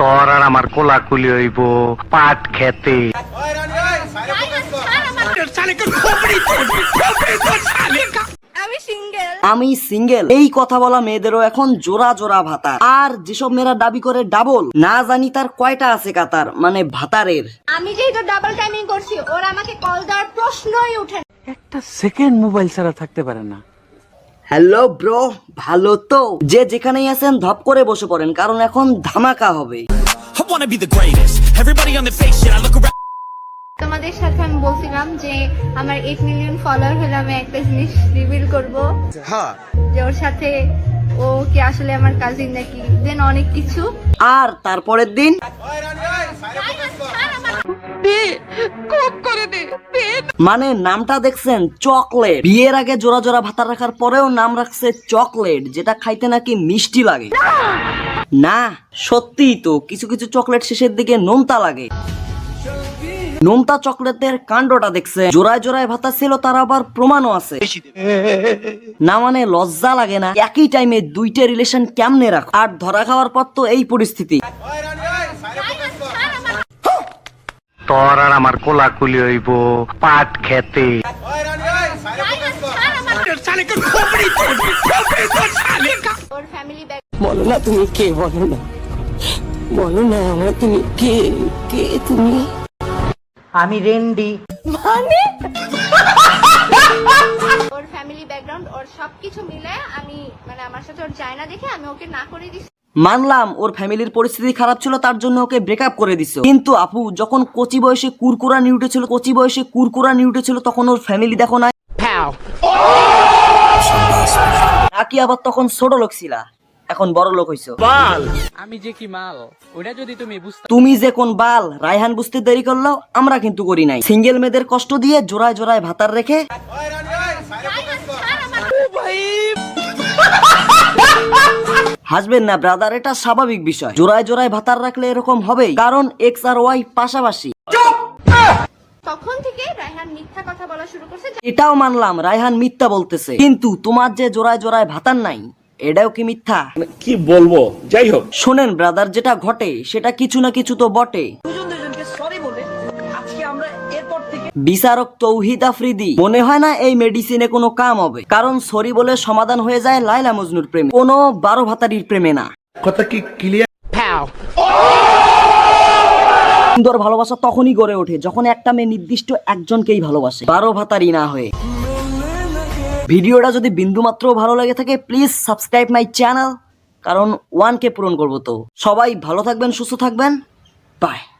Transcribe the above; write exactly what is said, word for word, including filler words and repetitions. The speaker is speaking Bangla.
তোর আর আমার কোলাকুলি হইব পাট খেতে। আমি সিঙ্গেল এই কথা বলা মেয়েদেরও এখন জোড়া জোড়া ভাতা। আর যেসব মেয়েরা দাবি করে ডাবল, না জানি তার কয়টা আছে কাতার, মানে ভাতারের। আমি যেহেতু ডাবল টাইমিং করছি, ওরা আমাকে কল দেওয়ার প্রশ্নই ওঠে না। একটা সেকেন্ড মোবাইল ছাড়া থাকতে পারে না। হ্যালো ব্রো, ভালো তো? যে যেখানেই আছেন ধপ করে বসে পড়েন, কারণ এখন ধামাকা হবে। তোমাদের সাথে আমি বলছিলাম যে আমার এইট মিলিয়ন ফলোয়ার হলে আমি একটা জিনিস রিভিল করব, যে ওর সাথে ও কি আসলে আমার কাজিন নাকি, দেন অনেক কিছু। আর তারপরের দিন মানে নামটা দেখছেন, চকলেট। বিয়ের আগে জোড়া জোড়া ভাতা রাখার পরেও নাম রাখছে চকলেট, যেটা খাইতে নাকি মিষ্টি লাগে। না সত্যি তো, কিছু কিছু চকলেট শেষের দিকে নোনতা লাগে। নোনতা চকলেটের কাণ্ডটা দেখছে, জোড়ায় জোড়ায় ভাতা ছিল, তার আবার প্রমাণও আছে। না মানে লজ্জা লাগে না? একই টাইমে দুইটা রিলেশন কেমনে রাখ? আর ধরা খাওয়ার পর তো এই পরিস্থিতি। তোর আর আমার কোলাকুলি হইব পাট খেতে। ওর ফ্যামিলি ব্যাক বলো না তুমি কে, বলো না, বলো না আমার তুমি কে, কে তুমি? আমি রেন্ডি। মানে ওর ফ্যামিলি ব্যাকগ্রাউন্ড, ওর সবকিছু মিলে আমি মানে আমার সাথে ওর যায় না দেখে আমি ওকে না করে দিছি। মানলাম ওর ফ্যামিলির পরিস্থিতি খারাপ ছিল, তার জন্য ওকে ব্রেকআপ করে দিছো। কিন্তু আপু যখন কচি বয়সে কুরকুরা নিয়ে উঠেছিল, কচি বয়সে কুরকুরা নিয়ে উঠেছিল, তখন ওর ফ্যামিলি দেখো না, নাকি আবার তখন ছোট লোক ছিলা, এখন বড় লোক হইছো। আমি যে কি মাল, ওটা যদি তুমি বুঝতে। তুমি যে কোন বাল, রায়হান বুঝতে দেরি করলো, আমরা কিন্তু করি নাই। সিঙ্গেল মেয়েদের কষ্ট দিয়ে জোড়ায় জোড়ায় ভাতার রেখে হাসবেন না ব্রাদার, এটা স্বাভাবিক বিষয়। জোড়ায় জোড়ায় ভাতার রাখলে এরকম হবেই, কারণ এক্স আর ওয়াই পাশাপাশি। তখন থেকে রায়হান মিথ্যা কথা বলা শুরু করছে। এটাও মানলাম রায়হান মিথ্যা বলতেছে, কিন্তু তোমার যে জোড়ায় জোড়ায় ভাতার নাই, এটাও কি মিথ্যা? কি বলবো, যাই হোক। শোনেন ব্রাদার, যেটা ঘটে সেটা কিছু না কিছু তো বটে। বিচারক তৌহিদ আফ্রিদি, মনে হয় না এই মেডিসিনে কোনো কাম হবে, কারণ সরি বলে সমাধান হয়ে যায় লাইলা মজনুর প্রেমে, কোনো বারো ভাতারির প্রেমে না। কথা কি ক্লিয়ার? সুন্দর ভালোবাসা তখনই গড়ে ওঠে যখন একটা মেয়ে নির্দিষ্ট একজনকেই ভালোবাসে, বারো ভাতারি না হয়ে। ভিডিওটা যদি বিন্দুমাত্র ভালো লাগে থাকে, প্লিজ সাবস্ক্রাইব মাই চ্যানেল, কারণ ওয়ান কে পূরণ করবো তো। সবাই ভালো থাকবেন, সুস্থ থাকবেন, বাই।